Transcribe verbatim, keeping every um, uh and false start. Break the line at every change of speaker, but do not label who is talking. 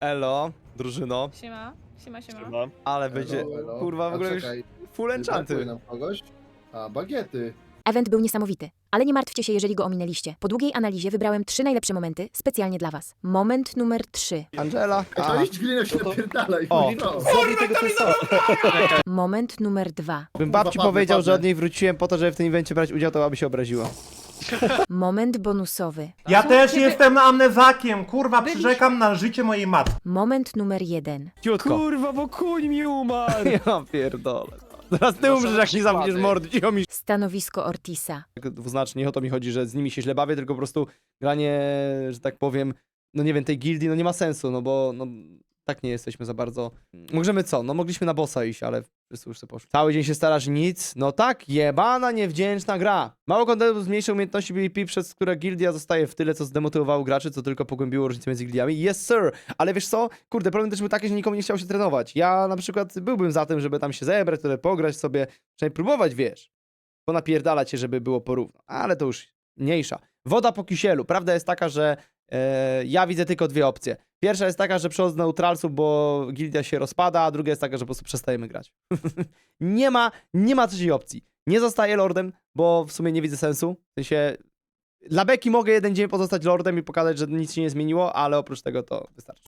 Elo, drużyno,
Siema, siema, siema.
Siema.
ale
Elo,
będzie,
elo.
kurwa, w
A
ogóle już
czekaj,
full
brakuje
enchanty.
nam kogoś? A, bagiety.
Event był niesamowity, ale nie martwcie się, jeżeli go ominęliście. Po długiej analizie wybrałem trzy najlepsze momenty specjalnie dla was. Moment numer trzy.
Angela,
A to
aha.
iść glina się napierdalaj.
O.
no.
Moment numer dwa.
Bym babci
Kurwa,
powiedział,
padnę,
że od
padnę.
niej wróciłem po to, żeby w tym evencie brać udział, to aby się obraziła.
Moment bonusowy.
Ja
Co?
też
Ciebie-
jestem amnezakiem, kurwa,
Byliśmy-
przyrzekam na życie mojej matki.
Moment numer jeden.
Ciutko.
Kurwa, bo kuń mi umarł!
Ja pierdolę. Zaraz ty umrzesz, jak nie zamkniesz mordy, cicho mi.
Stanowisko Ortisa.
Tak dwuznacznie, nie o to mi chodzi, że z nimi się źle bawię, tylko po prostu granie, że tak powiem, no nie wiem, tej gildii, no nie ma sensu, no bo no, tak nie jesteśmy za bardzo. Możemy co? No mogliśmy na bossa iść, ale wszyscy już sobie poszli. Cały dzień się starasz, nic. No tak, jebana, niewdzięczna gra. Mało kontentu zmniejsza umiejętności P V P, przez które gildia zostaje w tyle, co zdemotywowało graczy, co tylko pogłębiło różnicę między gildiami. Yes, sir! Ale wiesz co? Kurde, problem też był taki, że nikomu nie chciał się trenować. Ja na przykład byłbym za tym, żeby tam się zebrać, tyle pograć sobie, przynajmniej próbować, wiesz. Ponapierdalać się, żeby było porówno. Ale to już mniejsza. Woda po kisielu. Prawda jest taka, że e, ja widzę tylko dwie opcje. Pierwsza jest taka, że przechodzę do neutralsów, bo gildia się rozpada, a druga jest taka, że po prostu przestajemy grać. nie ma, nie ma trzeciej opcji. Nie zostaję lordem, bo w sumie nie widzę sensu. W sensie, dla beki mogę jeden dzień pozostać lordem i pokazać, że nic się nie zmieniło, ale oprócz tego to wystarczy.